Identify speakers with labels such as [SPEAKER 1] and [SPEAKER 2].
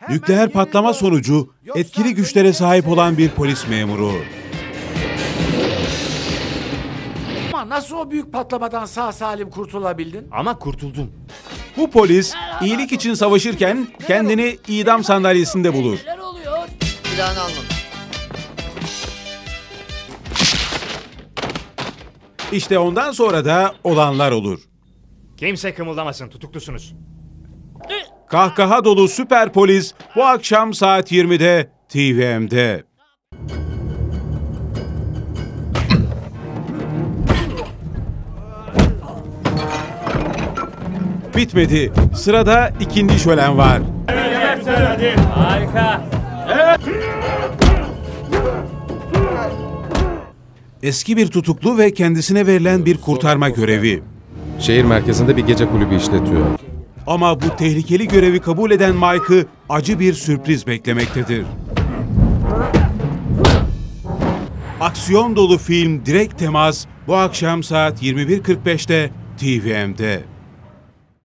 [SPEAKER 1] Nükleer patlama sonucu etkili güçlere sahip olan bir polis memuru.
[SPEAKER 2] Ama nasıl o büyük patlamadan sağ salim kurtulabildin?
[SPEAKER 3] Ama kurtuldum.
[SPEAKER 1] Bu polis iyilik için savaşırken kendini idam sandalyesinde bulur.
[SPEAKER 2] Neler oluyor?
[SPEAKER 4] Silahını almadım.
[SPEAKER 1] İşte ondan sonra da olanlar olur.
[SPEAKER 3] Kimse kımıldamasın, tutuklusunuz.
[SPEAKER 1] Kahkaha dolu süper polis bu akşam saat 20'de TVM'de. Bitmedi. Sırada ikinci şölen var.
[SPEAKER 3] Harika.
[SPEAKER 1] Eski bir tutuklu ve kendisine verilen bir kurtarma görevi.
[SPEAKER 5] Şehir merkezinde bir gece kulübü işletiyor.
[SPEAKER 1] Ama bu tehlikeli görevi kabul eden Mike'ı acı bir sürpriz beklemektedir. Aksiyon dolu film Direkt Temas bu akşam saat 21.45'te TVM'de.